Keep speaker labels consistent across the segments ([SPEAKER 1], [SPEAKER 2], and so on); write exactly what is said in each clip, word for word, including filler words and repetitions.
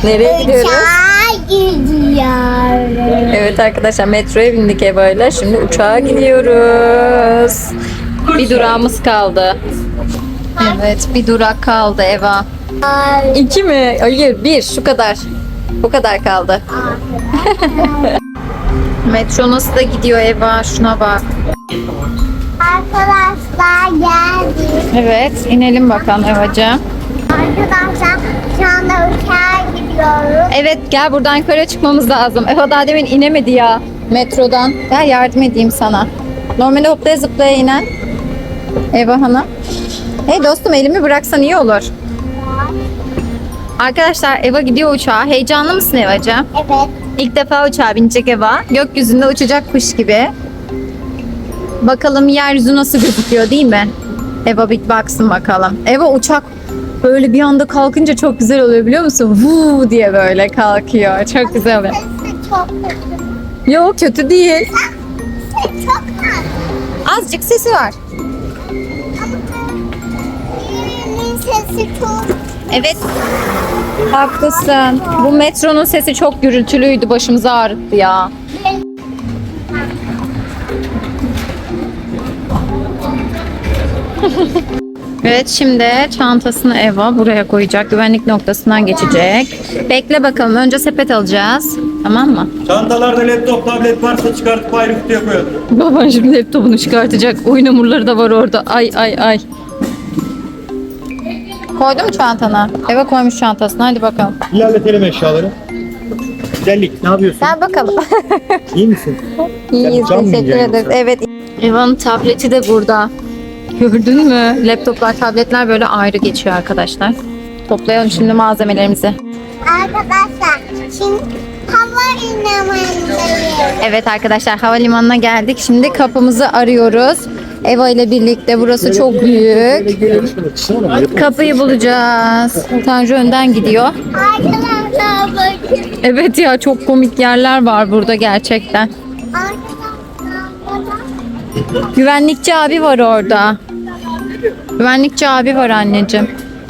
[SPEAKER 1] Nereye gidiyoruz?
[SPEAKER 2] Uçağa gidiyoruz.
[SPEAKER 1] Evet arkadaşlar, metroya bindik Eva'yla. Şimdi uçağa gidiyoruz. Bir durağımız kaldı. Evet, bir durak kaldı Eva. İki mi? Hayır, bir. Şu kadar. Bu kadar kaldı. Metro nasıl da gidiyor Eva? Şuna bak.
[SPEAKER 2] Arkadaşlar geldik.
[SPEAKER 1] Evet, inelim bakalım Evacığım.
[SPEAKER 2] Arkadaşlar şu anda uçağa gidiyoruz.
[SPEAKER 1] Evet, gel buradan yukarı çıkmamız lazım. Eva daha demin inemedi ya metrodan. Gel yardım edeyim sana. Normalde hoplaya zıplaya inen Eva Hanım. Hey dostum, elimi bıraksan iyi olur. Arkadaşlar Eva gidiyor uçağa. Heyecanlı mısın Evacığım?
[SPEAKER 2] Evet.
[SPEAKER 1] İlk defa uçağa binecek Eva. Gökyüzünde uçacak kuş gibi. Bakalım yeryüzü nasıl gözüküyor değil mi? Eva bir baksın bakalım. Eva uçak böyle bir anda kalkınca çok güzel oluyor biliyor musun? Vuu diye böyle kalkıyor. Çok güzel oluyor.
[SPEAKER 2] Sesi çok kötü.
[SPEAKER 1] Yok kötü değil.
[SPEAKER 2] Sesi çok az.
[SPEAKER 1] Azıcık sesi var.
[SPEAKER 2] Birinin sesi çok.
[SPEAKER 1] Evet. Haklısın. Bu metronun sesi çok gürültülüydü. Başımızı ağrıttı ya. Evet, şimdi çantasını Eva buraya koyacak. Güvenlik noktasından geçecek. Bekle bakalım. Önce sepet alacağız. Tamam mı?
[SPEAKER 3] Çantalarda laptop, tablet varsa çıkartıp ayrı kutuya koyalım.
[SPEAKER 1] Baban şimdi laptopunu çıkartacak. Oyun hamurları da var orada. Ay ay ay. Koydu mu çantana? Eva koymuş çantasına. Hadi bakalım.
[SPEAKER 3] İlerletelim eşyaları. Güzellik, ne yapıyorsun?
[SPEAKER 1] Gel bakalım.
[SPEAKER 3] İyi misin?
[SPEAKER 1] İyiyiz.
[SPEAKER 3] Can mı
[SPEAKER 1] Teşekkür
[SPEAKER 3] yiyeceksin
[SPEAKER 1] ederiz.
[SPEAKER 3] yoksa?
[SPEAKER 1] Evet. Eva'nın tableti de burada. Gördün mü? Laptoplar, tabletler böyle ayrı geçiyor arkadaşlar. Toplayalım şimdi malzemelerimizi.
[SPEAKER 2] Arkadaşlar şimdi hava limanındayız.
[SPEAKER 1] Evet arkadaşlar, havalimanına geldik. Şimdi kapımızı arıyoruz. Eva ile birlikte. Burası çok büyük. Kapıyı bulacağız. Tanju önden gidiyor.
[SPEAKER 2] Arkadaşlar bakın.
[SPEAKER 1] Evet ya, çok komik yerler var burada gerçekten.
[SPEAKER 2] Arkadaşlar bakın.
[SPEAKER 1] Güvenlikçi abi var orada. Güvenlikçi abi var anneciğim.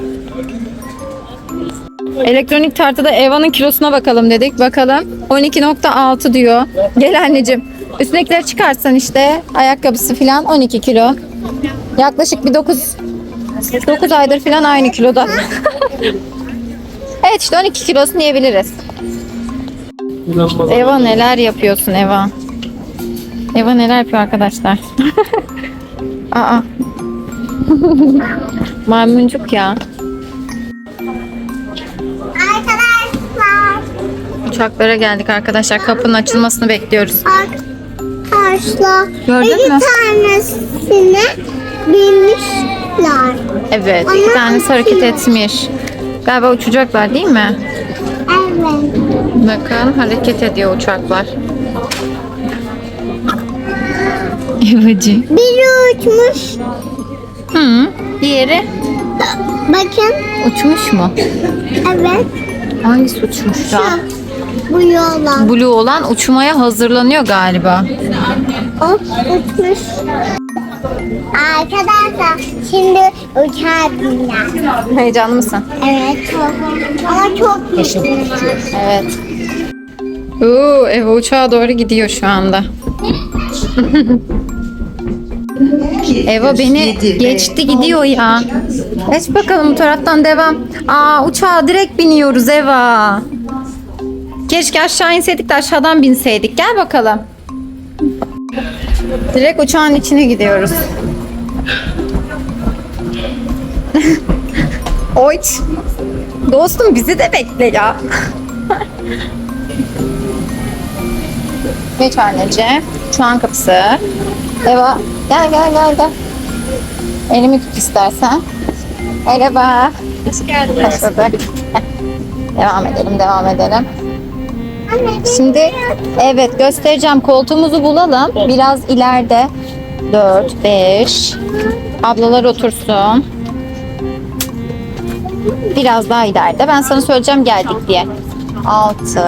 [SPEAKER 1] Elektronik tartıda Eva'nın kilosuna bakalım dedik. Bakalım. on iki nokta altı diyor. Gel anneciğim. Üstündekileri çıkarsan işte. Ayakkabısı falan on iki kilo. Yaklaşık bir dokuz dokuz aydır falan aynı kiloda. Evet işte on iki kilosu diyebiliriz. Eva neler yapıyorsun Eva? Eva neler yapıyor arkadaşlar? Aa. Maymuncuk ya.
[SPEAKER 2] Arkadaşlar.
[SPEAKER 1] Uçaklara geldik arkadaşlar. Kapının açılmasını bekliyoruz.
[SPEAKER 2] Arkadaşlar.
[SPEAKER 1] Gördün
[SPEAKER 2] iki
[SPEAKER 1] mü?
[SPEAKER 2] tanesine binmişler.
[SPEAKER 1] Evet, iki tanesi hareket etmiş. Galiba uçacaklar değil mi?
[SPEAKER 2] Evet.
[SPEAKER 1] Bakın hareket ediyor uçaklar. Evacı.
[SPEAKER 2] Biri uçmuş.
[SPEAKER 1] Hı. Diğeri
[SPEAKER 2] Bakın.
[SPEAKER 1] uçmuş mu?
[SPEAKER 2] Evet.
[SPEAKER 1] Hangisi uçmuş
[SPEAKER 2] Şu.
[SPEAKER 1] ya?
[SPEAKER 2] Bu yola.
[SPEAKER 1] Blue olan uçmaya hazırlanıyor galiba.
[SPEAKER 2] O uçmuş. Arkadaşlar şimdi uçağa bineceğiz.
[SPEAKER 1] Heyecanlı mısın?
[SPEAKER 2] Evet çok. Ama çok büyük.
[SPEAKER 1] Evet. Oo, Eva uçağa doğru gidiyor şu anda. Eva beni geçti gidiyor ya. Geç bakalım bu taraftan devam. Aa, uçağa direkt biniyoruz Eva. Keşke aşağı inseydik de aşağıdan binseydik. Gel bakalım. Direkt uçağın içine gidiyoruz. Oy. Dostum bizi de bekle ya. Geç anneciğim. Uçağın kapısı. Eva gel gel gel gel. Elimi tut istersen. Merhaba. Hoş geldin. Hoş bulduk. Heh. Devam edelim devam edelim. Şimdi evet göstereceğim. Koltuğumuzu bulalım. Biraz ileride. dört, beş. Ablalar otursun. Biraz daha ileride. Ben sana söyleyeceğim geldik diye. altı.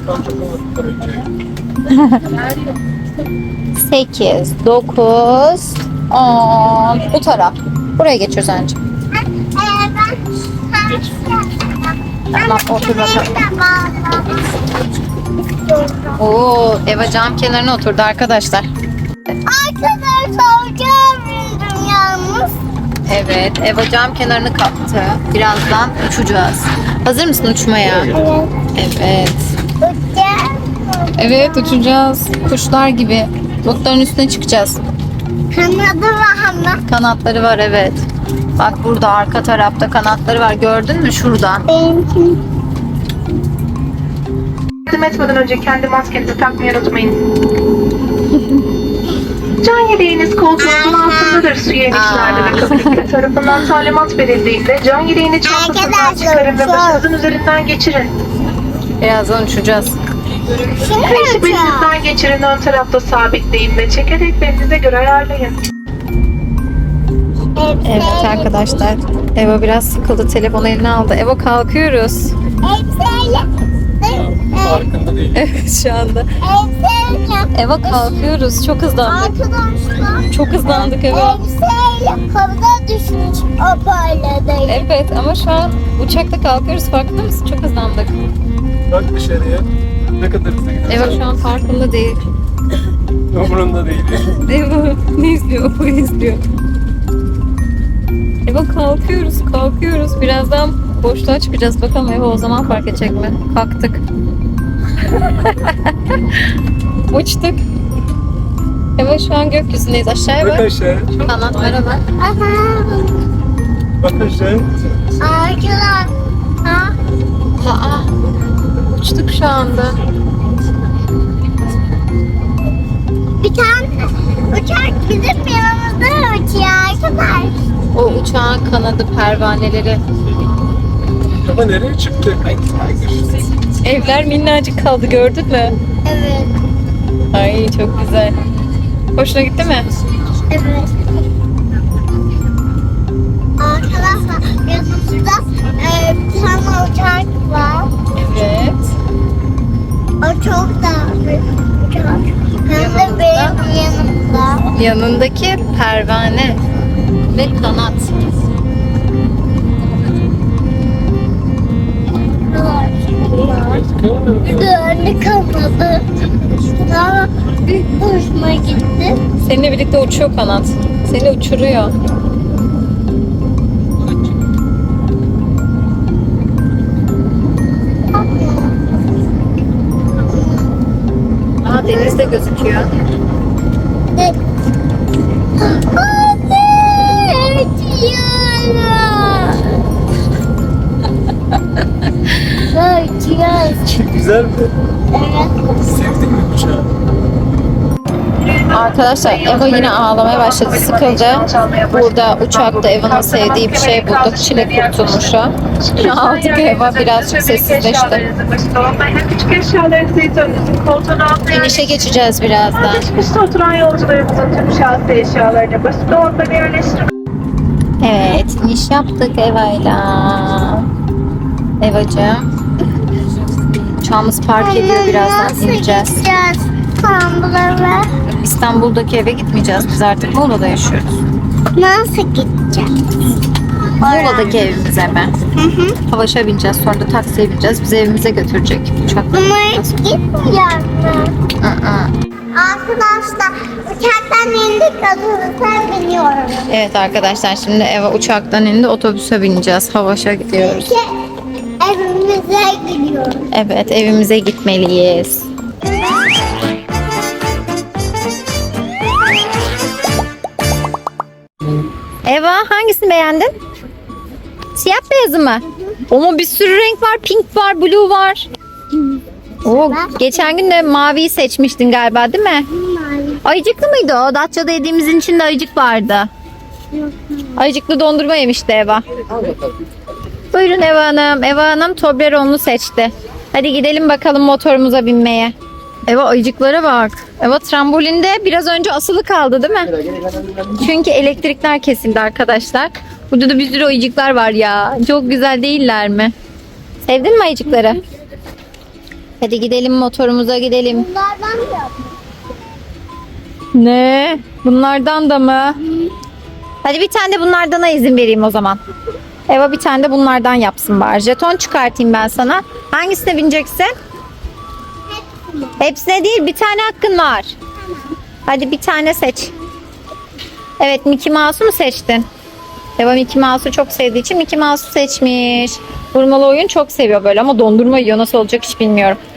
[SPEAKER 1] sekiz, dokuz, on. Bu taraf. Buraya geçiyoruz anneciğim. Tamam otur bakalım.
[SPEAKER 2] Ben de bağlamak istiyorum.
[SPEAKER 1] Oo, Eva cam kenarına oturdu arkadaşlar.
[SPEAKER 2] Arkadaşlar uçağa bindim yalnız.
[SPEAKER 1] Evet, Eva cam kenarını kaptı. Birazdan uçacağız. Hazır mısın uçmaya?
[SPEAKER 2] Evet.
[SPEAKER 1] Evet.
[SPEAKER 2] Uçacağım.
[SPEAKER 1] Evet uçacağız. Kuşlar gibi. Bulutların üstüne çıkacağız.
[SPEAKER 2] Kanadı var ama.
[SPEAKER 1] Kanatları var evet. Bak burada arka tarafta kanatları var. Gördün mü şurada?
[SPEAKER 2] Benimki.
[SPEAKER 4] Yardım etmeden önce kendi maskenizi takmayı unutmayın. Can yeleğiniz koltuğunuzun altındadır su yemişlerde ve kapıcı tarafından talimat verildiğinde can yeleğini çantasından
[SPEAKER 2] Arkadaşlar,
[SPEAKER 4] çıkarın ve
[SPEAKER 2] çok-
[SPEAKER 4] başınızın üzerinden geçirin.
[SPEAKER 1] Birazdan uçacağız.
[SPEAKER 2] Şimdi
[SPEAKER 4] Beşi
[SPEAKER 2] uçağı.
[SPEAKER 4] belinizden geçirin, ön tarafta sabitleyin ve çekerek belinize göre ayarlayın.
[SPEAKER 1] Evet arkadaşlar. Eva biraz sıkıldı. Telefonu eline aldı. Eva kalkıyoruz.
[SPEAKER 2] Elbiseyle.
[SPEAKER 3] Farkında değil.
[SPEAKER 1] Evet şu anda.
[SPEAKER 2] Elbiseyle.
[SPEAKER 1] Eva kalkıyoruz. Çok hızlandık.
[SPEAKER 2] Arkadaşlar.
[SPEAKER 1] Çok hızlandık Eva.
[SPEAKER 2] Elbiseyle havada düşmüş o parladayım.
[SPEAKER 1] Evet ama şu an uçakta kalkıyoruz. Farkında mısın? Çok hızlandık.
[SPEAKER 3] Bak dışarıya. Ne kadar hızlı gidiyorsun.
[SPEAKER 1] Eva şu an farkında değil.
[SPEAKER 3] Umurunda değil.
[SPEAKER 1] Eva ne izliyor? O izliyor. Eva kalkıyoruz, kalkıyoruz. Birazdan boşluğa çıkacağız. Bakalım Eva o zaman fark edecek mi? Kalktık. Uçtuk. Eva şu an gökyüzündeyiz. Aşağıya
[SPEAKER 3] Bak
[SPEAKER 1] bak.
[SPEAKER 3] aşağı.
[SPEAKER 1] Kanatlara bak.
[SPEAKER 2] Aha.
[SPEAKER 3] Bak aşağı.
[SPEAKER 2] Arkadaşlar. Ha?
[SPEAKER 1] Aa, uçtuk şu anda.
[SPEAKER 2] Bir tane uçak bizim yanımızda uçuyor arkadaşlar.
[SPEAKER 1] O uçağın kanadı pervaneleri.
[SPEAKER 3] Ama nereye çıktı?
[SPEAKER 1] Evler minnacık kaldı gördün mü?
[SPEAKER 2] Evet.
[SPEAKER 1] Ay çok güzel. Hoşuna gitti mi?
[SPEAKER 2] Evet. Arkadaşlar yanımızda e, bir tane uçak var.
[SPEAKER 1] Evet.
[SPEAKER 2] O çok da büyük uçak. Hem de benim yanımda.
[SPEAKER 1] Yanındaki pervane ve kanat.
[SPEAKER 2] Bir de önü kapalı. Ama büyük hoşuma gitti.
[SPEAKER 1] Seninle birlikte uçuyor kanat. Seni uçuruyor. Aa deniz de gözüküyor.
[SPEAKER 2] Evet. Anne! Uçuyorum. Uçuyoruz.
[SPEAKER 3] Güzel mi?
[SPEAKER 2] Evet.
[SPEAKER 3] Sevdin mi uçağı?
[SPEAKER 1] Arkadaşlar Eva yine ağlamaya başladı. Sıkıldı. Burada uçakta Eva'nın sevdiği bir şey bulduk. Çilek kurtulmuşu. Aldık Eva birazcık sessizleşti.
[SPEAKER 4] Küçük eşyalarınızı önünüzün koltuğun altına
[SPEAKER 1] İnişe geçeceğiz birazdan.
[SPEAKER 4] Geçmişte oturan yolcularımızın tüm şahsi eşyalarını basit dolaplarına yerleştirmek.
[SPEAKER 1] Evet, iniş yaptık Eva'yla. Evacığım. Uçağımız park ediyor. Birazdan
[SPEAKER 2] Nasıl
[SPEAKER 1] ineceğiz.
[SPEAKER 2] gideceğiz İstanbul'a ve
[SPEAKER 1] İstanbul'daki eve gitmeyeceğiz. Biz artık Muğla'da yaşıyoruz.
[SPEAKER 2] nasıl gideceğiz?
[SPEAKER 1] Muğla'daki evimize mi?
[SPEAKER 2] Hı hı.
[SPEAKER 1] Havaşa bineceğiz. Sonra da taksiye bineceğiz. Bizi evimize götürecek uçakla.
[SPEAKER 2] Ama hiç gitmeyeceğiz mi?
[SPEAKER 1] Aa.
[SPEAKER 2] Arkadaşlar uçaktan indik otobüse biniyorum.
[SPEAKER 1] Evet arkadaşlar şimdi Eva uçaktan indi. Otobüse bineceğiz. Havaşa gidiyoruz.
[SPEAKER 2] Ki evimize gidiyoruz.
[SPEAKER 1] Evet evimize gitmeliyiz. Eva hangisini beğendin? Siyah beyazı mı? Ama bir sürü renk var. Pink var, blue var. Oo, geçen gün de maviyi seçmiştin galiba değil mi? Ayıcıklı mıydı o? Datça'da yediğimizin içinde ayıcık vardı. Ayıcıklı dondurma yemişti Eva. Buyurun Eva Hanım. Eva Hanım Toblerone'lu seçti. Hadi gidelim bakalım motorumuza binmeye. Eva ayıcıklara bak. Eva trambolinde biraz önce asılı kaldı değil mi? Çünkü elektrikler kesildi arkadaşlar. Burada da bir sürü ayıcıklar var ya. Çok güzel değiller mi? Sevdin mi ayıcıkları? Hadi gidelim motorumuza gidelim.
[SPEAKER 2] Bunlardan mı yapmış?
[SPEAKER 1] Ne? Bunlardan da mı? Hadi bir tane de bunlardan izin vereyim o zaman. Eva bir tane de bunlardan yapsın bari. Jeton çıkartayım ben sana. Hangisine bineceksin? Hepsine değil, bir tane hakkın var. Hadi bir tane seç. Evet, Mickey Mouse'u mu seçtin? Eva Mickey Mouse'u çok sevdiği için Mickey Mouse'u seçmiş. Vurmalı oyun çok seviyor böyle ama dondurma yiyor. Nasıl olacak hiç bilmiyorum.